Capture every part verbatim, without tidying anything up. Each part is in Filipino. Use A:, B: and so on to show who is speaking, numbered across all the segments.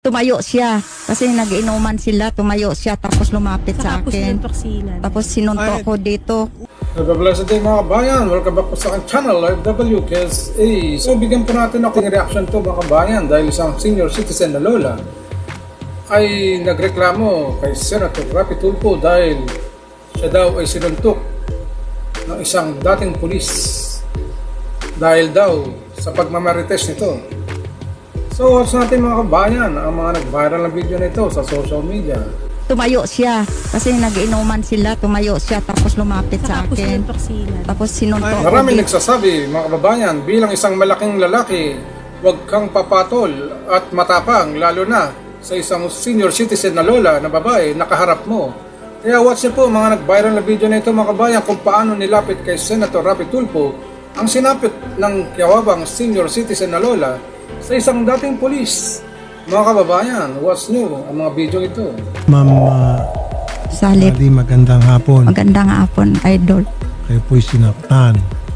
A: Tumayo siya kasi nag-inuman sila, tumayo siya tapos lumapit sa
B: Saka po
A: akin.
B: sinuntok sila.
A: Tapos sinuntok
C: Ay.
A: ko dito.
C: Nagbablessed day mga kabayan. Welcome back po sa aking channel, Live W K S A. So bigyan po natin ako ng reaction to mga kabayan dahil isang senior citizen na lola ay nagreklamo kay Senator Rapi Tulfo dahil siya daw ay sinuntok ng isang dating pulis dahil daw sa pagmamarites nito. So watch natin mga kabayan ang mga nag-viral na video nito sa social media.
A: Tumayo siya kasi nag-inuman sila, tumayo siya tapos lumapit sa
B: Saka po
A: akin.
B: sinuntok sila.
A: Tapos sinuntok ko
C: Maraming
A: dito.
C: nagsasabi, mga kababayan, bilang isang malaking lalaki, huwag kang papatol at matapang, lalo na sa isang senior citizen na lola na babae, nakaharap mo. Kaya watch niyo po mga nag-viral na video na ito mga kababayan kung paano nilapit kay Senator Rapi Tulfo ang sinapit ng kiawabang senior citizen na lola sa isang dating polis. Mga kababayan, watch niyo ang mga video ito.
D: Ma'am uh,
A: Salip.
D: Ali, magandang hapon.
A: Magandang hapon, idol.
D: Kayo po'y sinaktan.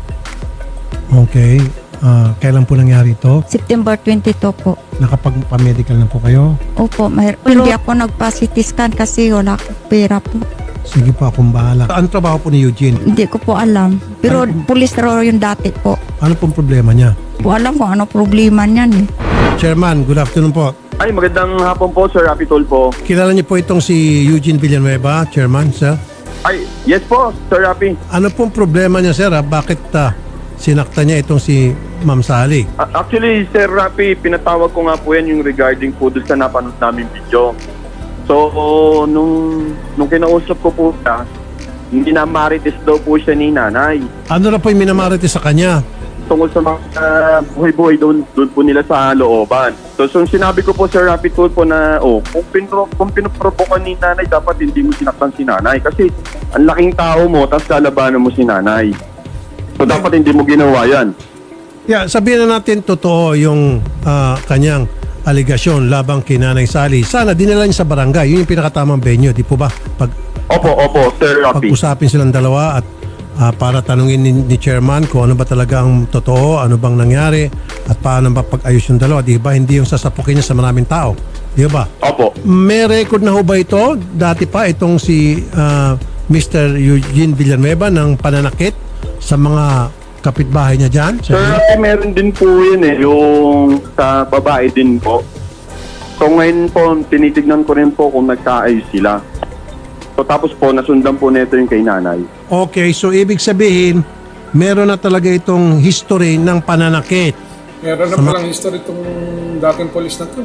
D: Okay. Uh, kailan po nangyari ito?
A: September twenty-two po.
D: Nakapagpa-medical na po kayo?
A: Opo, mahir- pero hindi ako nagpa-C T scan kasi wala akong pera po.
D: Sige po, akong bahala. Ano trabaho po ni Eugene?
A: Hindi ko po alam. Pero pulis raw yung dati po.
D: Ano pong problema niya?
A: Po alam kung ano problema niyan eh.
D: Chairman, good afternoon po.
E: Ay, magandang hapon po, Sir Rapi Tulfo.
D: Kilala niyo po itong si Eugene Villanueva, Chairman, sir?
E: Ay, yes po, Sir Rapi.
D: Ano pong problema niya, sir? ah? Bakit uh, sinaktan niya itong si Ma'am Sally?
E: A- Actually, Sir Rapi, pinatawag ko nga po yan yung regarding po doon sa napanood namin video. So, nung, nung kinausap ko po siya, hindi na marites daw po siya ni nanay.
D: Ano na po yung minamarite sa kanya?
E: Tungkol sa mga uh, buhay-buhay doon, doon po nila sa looban. So, so sinabi ko po, Sir Rapi Tulfo, na oh, kung, pinro, kung pinuprovokan ni nanay, dapat hindi mo sinaktan si nanay. Kasi ang laking tao mo, tapos lalabanan mo si nanay. So, dapat hindi mo ginawa yan.
D: Yeah, sabihin na natin totoo yung ah, kanyang aligasyon labang kay Nanay Sally. Sana dinala niya sa barangay. Yun yung pinakatamang venue, di po ba? Pag
E: Opo, opo, Sir Rapi.
D: pag-usapin silang dalawa at ah, para tanungin ni, ni chairman kung ano ba talaga ang totoo, ano bang nangyari at paano ba pag-ayos yung dalawa, di ba? Hindi yung sasapukin niya sa maraming tao, di ba?
E: Opo.
D: May record na ho ba ito? Dati pa itong si ah, Mister Eugene Villanueva ng pananakit sa mga kapitbahay niya dyan?
E: Sir Rapi, meron din po yun eh, yung sa babae din po. So ngayon po, tinitignan ko rin po kung nagkaayos sila. So tapos po, nasundan po nito yung kay nanay.
D: Okay, so ibig sabihin, meron na talaga itong history ng pananakit.
C: Meron na
D: Sama-
C: palang history itong dating polis na to.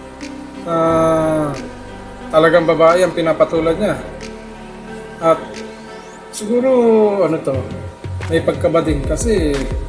C: Ah, talagang babae ang pinapatulad niya. At siguro, ano to, may pagkabading kasi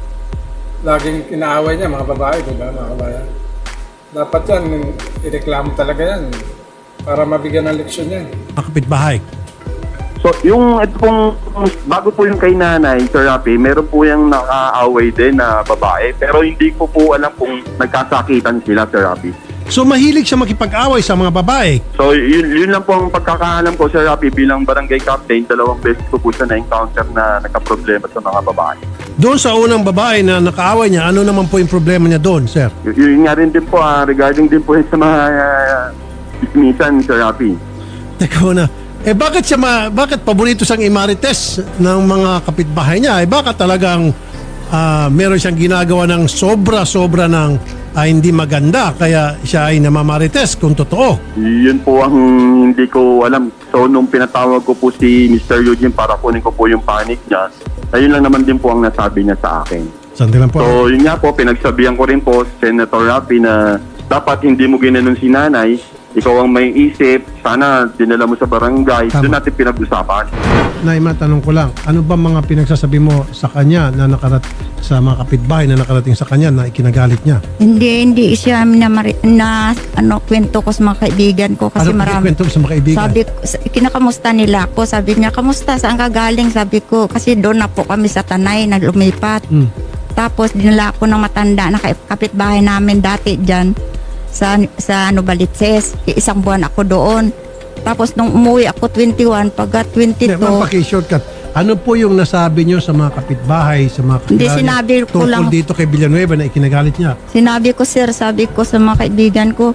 C: laging inaaway niya mga babae, di ba mga kabayan? Dapat yan, ireklamo talaga yan para mabigyan ng leksyon yan.
D: Mga kapitbahay.
E: So yung ito pong, bago po yung kay nanay, Sir Rapi, meron po yung nakaaway din na babae. Pero hindi ko po alam kung nagkasakitan sila, Sir Rapi.
D: So mahilig siya makipag-away sa mga babae.
E: So yun, yun lang po ang pagkakaalam ko, Sir Rapi, bilang barangay captain. Dalawang beses ko po siya na-encounter na nagka-problema sa mga babae.
D: Doon sa unang babae na nakaaway niya, ano naman po yung problema niya doon, sir?
E: Y- yun nga rin din po, ah, regarding din po yun sa mga uh, dismissan, Sir Rapi.
D: Teka muna. Eh bakit siya ma- bakit paborito siyang imarites ng mga kapitbahay niya? Eh baka talagang ah, meron siyang ginagawa ng sobra-sobra ng ah, hindi maganda kaya siya ay namamarites kung totoo.
E: Yun po ang hindi ko alam. So nung pinatawag ko po si Mister Eugene para kunin ko po yung panic niya, ayun lang naman din po ang nasabi niya sa akin.
D: Sandali lang po.
E: So yun nga po, pinagsabihan ko rin po, Senator Rapi, na dapat hindi mo ginanon si nanay, ikaw ang may isip, sana dinala mo sa barangay,
D: Tama.
E: doon natin pinag-usapan.
D: Nay, matanong ko lang, ano ba mga pinagsasabi mo sa kanya na nakarat sa mga kapitbahay na nakarating sa kanya na ikinagalit niya?
A: Hindi, hindi siya na, na ano, kwento ko sa mga kaibigan ko kasi
D: ano
A: marami.
D: kwento mo sa mga kaibigan?
A: Sabi ko, sa- kinakamusta nila ako. Sabi niya, kamusta? Saan ka galing? Sabi ko, kasi doon na po kami sa Tanay, na lumipat.
D: Hmm.
A: Tapos dinala ako ng matanda na kap- kapitbahay namin dati dyan sa, sa ano, Balitses. Isang buwan ako doon. Tapos nung umuwi ako twenty-one, pagka
D: Hindi, ma'am,
A: twenty-two,
D: paki-shortcut. Ano po yung nasabi nyo sa mga kapitbahay, sa mga
A: Hindi,
D: kakilala
A: sinabi ko
D: tungkol
A: lang.
D: dito kay Villanueva na ikinagalit niya?
A: sinabi ko, sir, sabi ko sa mga kaibigan ko,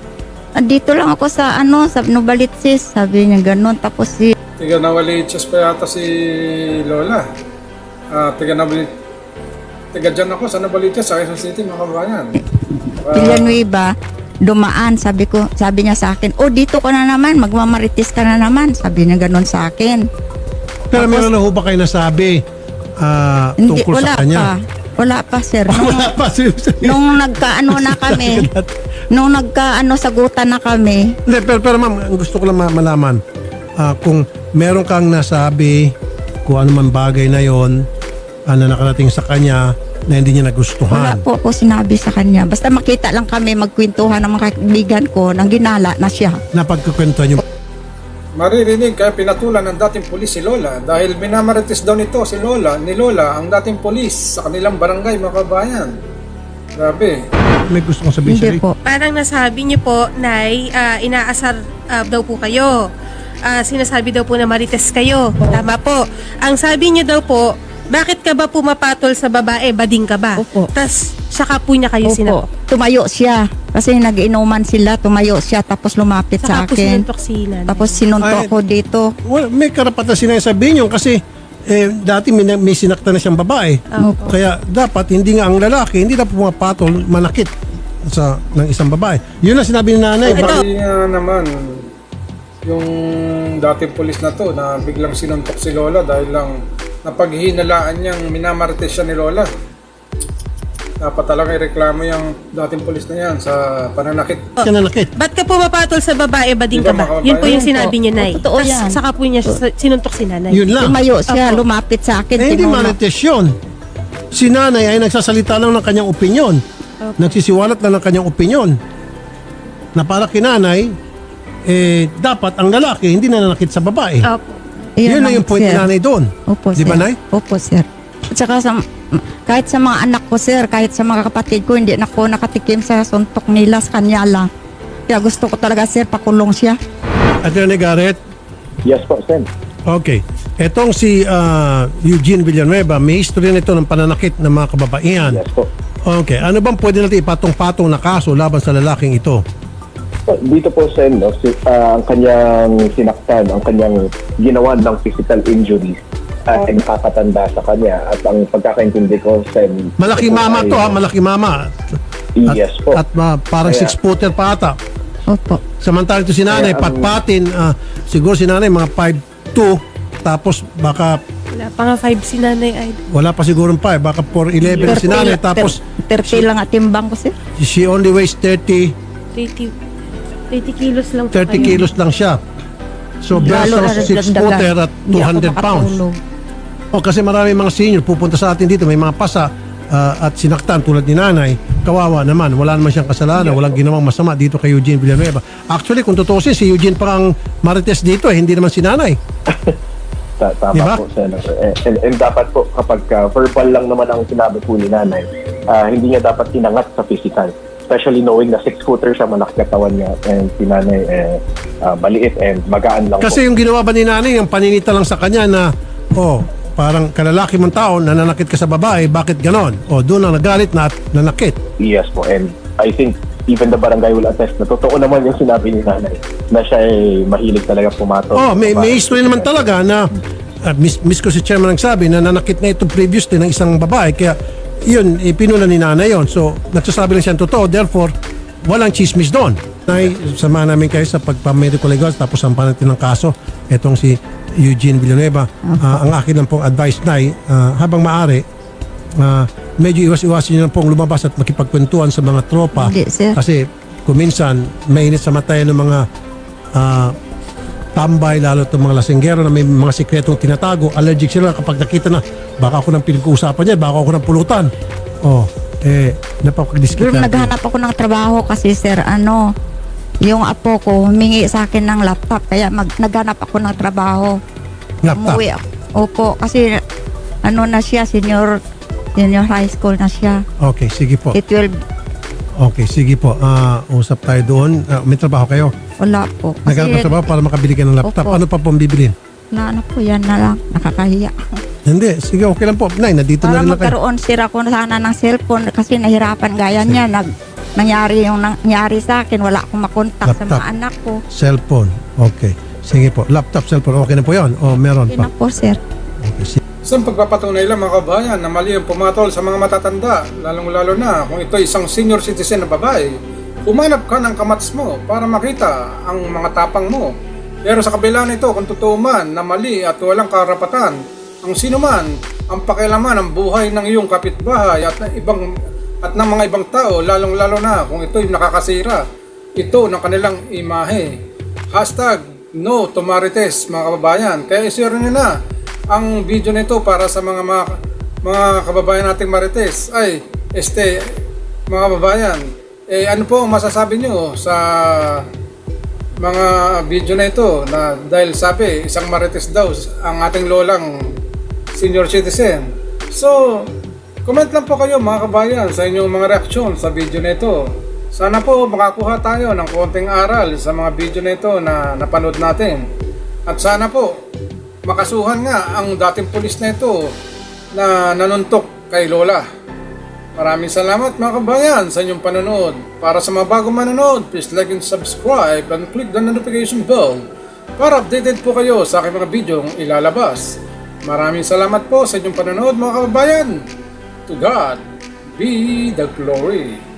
A: andito lang ako sa ano, sa Novaliches, sabi niya ganun. Tapos si
C: Tiga Novaliches pa yata si Lola. Ah, tiga Novaliches. Tiga dyan ako sa Novaliches, sa Quezon City, mga kabayan. Ah,
A: Villanueva, dumaan, sabi ko, sabi niya sa akin, oh dito ka na naman, magmamarites ka na naman, sabi niya ganun sa akin.
D: Pero
A: Tapos-
D: meron na ho ba kayo nasabi ah,
A: Hindi,
D: tungkol
A: wala
D: sa kanya?
A: pa. Wala pa, sir. Nung,
D: Wala pa.
A: nung nagkaano na kami, nung nagkaano sagutan na kami,
D: Hindi, pero, pero ma'am, ang gusto ko lang ma- malaman, ah, kung meron kang nasabi, kung ano man bagay na yon ah, na nakarating sa kanya na hindi niya
A: wala
D: nagustuhan.
A: po ako sinabi sa kanya. Basta makita lang kami magkwentuhan ng mga kaibigan ko nang ginala na siya.
D: Napagkukwentuhan yung
C: maririnig kaya pinatulan ng dating pulis si Lola dahil minamarites daw nito si Lola, ni Lola, ang dating pulis sa kanilang barangay, mga kabayan. Grabe.
D: may gusto kong sabihin,
A: Hindi
D: Sherry.
A: po.
B: Parang nasabi niyo po, Nay, ah, inaasar ah, daw po kayo. Ah, sinasabi daw po na marites kayo. Tama po. Ang sabi niyo daw po, bakit ka ba pumapatol sa babae? Bading ka ba?
A: Opo.
B: Tas, saka po niya kayo
A: Opo.
B: sinakop.
A: Tumayo siya. Kasi nag-inuman sila, tumayo siya tapos lumapit sa
B: Saka po
A: akin.
B: sinuntok si nanay.
A: Tapos sinunto
D: Ay.
A: ko dito.
D: Well, may karapatan sinasabihin yun kasi eh, dati may, may sinakta na siyang babae.
A: Opo.
D: Kaya dapat hindi nga ang lalaki, hindi dapat pumapatol, manakit sa ng isang babae. Yun ang sinabi ni nanay.
B: Ito.
D: Bakit-
C: Hindi nga naman yung dating pulis na to na biglang sinuntok si Lola dahil lang napaghihinalaan niyang minamarites siya ni Lola. Dapat talaga ireklamo yung dating pulis na yan sa pananakit.
D: siya nanakit?
B: Ba't ka pumapatol sa babae? Bading
C: Di
B: ka
C: ba,
B: ba?
C: makababae?
B: Yun po yung
A: Yun
B: sinabi
A: po.
B: niyo, Nay.
A: Totoo
B: Tas,
A: yan.
B: saka po niya sa- sinuntok si nanay.
D: Yun lang.
A: Tumayo siya,
B: Opo.
A: lumapit sa akin.
D: Eh, hindi
A: tinulak.
D: marites yun. Si nanay ay nagsasalita lang ng kanyang opinyon. Nagsisiwalat lang ng kanyang opinyon. Na para kinanay, eh, dapat ang lalaki hindi nananakit sa babae.
B: Opo.
A: Ayan
D: Yun na
A: lang,
D: yung point ni
A: sir.
D: nanay doon.
A: Opo,
D: Di ba,
A: sir.
D: Nay?
A: Opo, sir. At saka sa, kahit sa mga anak ko, sir, kahit sa mga kapatid ko, hindi na ako nakatikim sa suntok nila sa kanya lang. Kaya gusto ko talaga, sir, pakulong siya.
D: Attorney Garrett,
E: Yes po, Sen.
D: okay. Etong si ah, Eugene Villanueva, may history nito ng pananakit ng mga kababaihan.
E: Yes po.
D: Okay. Ano bang pwede natin ipatong-patong na kaso laban sa lalaking ito?
E: So, dito po, Sen, no, si, ah, ang kanyang sinaktan, ang kanyang ginawa ng physical injuries uh, ay nakakatanda sa kanya. At ang pagkakaintindi ko, Sen...
D: Malaki
E: ito
D: mama
E: ay-
D: to ha, malaki mama. At,
E: Yes po.
D: At ah, parang
E: Kaya-
D: six-footer pa ata.
A: Opo.
D: Samantala ito si nanay,
E: Kaya ang-
D: patpatin, ah, siguro si nanay mga five two, tapos baka
B: Wala pa nga five si nanay ay
D: wala pa siguro five, baka four eleven si nanay, tapos
A: thirty lang at timbang ko, sir.
D: she only weighs thirty,
B: thirty, thirty kilos lang po
D: thirty
B: kayo.
D: kilos lang siya. So
A: Lalo
D: versus
A: na
D: six footer at
A: Hindi
D: two
A: ako
D: hundred pounds.
A: makatulog.
D: O kasi marami mga senior pupunta sa atin dito, may mga pasa ah, at sinaktan tulad ni nanay. Kawawa naman, wala naman siyang kasalanan, walang ginawang masama dito kay Eugene Villanueva. Actually, kung tutusin, si Eugene pa ang marites dito eh, hindi naman si nanay.
E: Ta- Tama
D: Diba?
E: po, Senator. And, and, and dapat po, kapag uh, verbal lang naman ang sinabi po ni nanay, ah, hindi niya dapat tinangat sa physical. Especially knowing na six-footer siya, malaki katawan niya, and si nanay eh, ah, maliit and magaan lang
D: Kasi
E: po.
D: yung ginawa ba ni nanay, yung paninita lang sa kanya na, oh, parang kalalaki mong tao, nananakit ka sa babae, bakit ganon? O, doon ang nagalit na at nanakit.
E: Yes po, and I think even the barangay will attest na totoo naman yung sinabi ni nanay na siya ay mahilig talaga pumato.
D: Oh, may, may history naman talaga na, uh, miss, miss ko si chairman nagsabi na nanakit na ito previously ng isang babae, kaya yun, ipinuna ni nanay yun. So, nagsasabi lang siya ng totoo, therefore, walang chismis doon. Nay, samahan namin kayo sa pagpa-medical legal, tapos sampahan natin ng kaso. Etong si Eugene Villanueva. Ah, ang akin lang pong advice, Nay, ah, habang maaari, ah, medyo iwas-iwasin nyo lang pong lumabas at makipagkwentuhan sa mga tropa.
A: Hindi, sir.
D: Kasi kung minsan, mainit sa mata ng mga ah, tambay, lalo itong mga lasinggero na may mga sikretong tinatago. Allergic sila kapag nakita na, baka ako ng pinag-uusapan niya, baka ako ng pulutan. Oh, eh,
A: Pero
D: napakadiskita.
A: naghanap ako ng trabaho kasi, sir, ano, yung apo ko humingi sa akin ng laptop, kaya mag, naghanap ako ng trabaho.
D: Laptop.
A: Umuwi ako. Opo, kasi ano na siya, senior, senior high school na siya.
D: Okay, sige po.
A: K twelve,
D: Okay, sige po. Ah, usap tayo doon. Ah, may trabaho kayo?
A: wala po.
D: Naghanap ng trabaho para makabili ka ng laptop.
A: Opo.
D: Ano pa pong bibilin?
A: Na ano po, yan na lang, nakakahiya.
D: Hindi, sige, okay lang po. Nay, nandito
A: Para
D: na rin lang kayo.
A: magkaroon sira ko sana ng cellphone kasi nahirapan gaya niya. Nag, nangyari yung nangyari sa akin. Wala akong makontak sa
D: Laptop.
A: mga anak ko.
D: Cellphone. Okay. Sige po. Laptop, cellphone. Okay na po yun? O meron
A: Hindi na
D: pa?
A: po, sir.
D: Okay. Sige.
C: Isang pagpapatunay lang mga kabayan na mali ang pumatol sa mga matatanda, lalong-lalo na kung ito isang senior citizen na babae. Humanap ka ng kamats mo para makita ang mga tapang mo. Pero sa kabila nito, kung totoo man na mali at walang karapatan, ang sino man ang pakialaman ng buhay ng iyong kapitbahay at ng ibang at ng mga ibang tao, lalong-lalo na kung ito'y nakakasira ito ng kanilang imahe. Hashtag no to Marites mga kababayan. Kaya i-share nyo na ang video nito para sa mga mga, mga kababayan nating Marites. Ay, este, mga kababayan, eh ano po ang masasabi nyo sa mga video na ito na dahil sabi isang Marites daw ang ating lolang senior citizen. So, comment lang po kayo mga kabayan sa inyong mga reaksyon sa video na ito. Sana po makakuha tayo ng konting aral sa mga video na ito na napanood natin. At sana po makasuhan nga ang dating pulis na ito na nanuntok kay Lola. Maraming salamat mga kabayan sa inyong panonood. Para sa mga bagong manonood, please like and subscribe and click the notification bell para updated po kayo sa aking mga video ilalabas. Maraming salamat po sa inyong panonood mga kababayan. To God be the glory.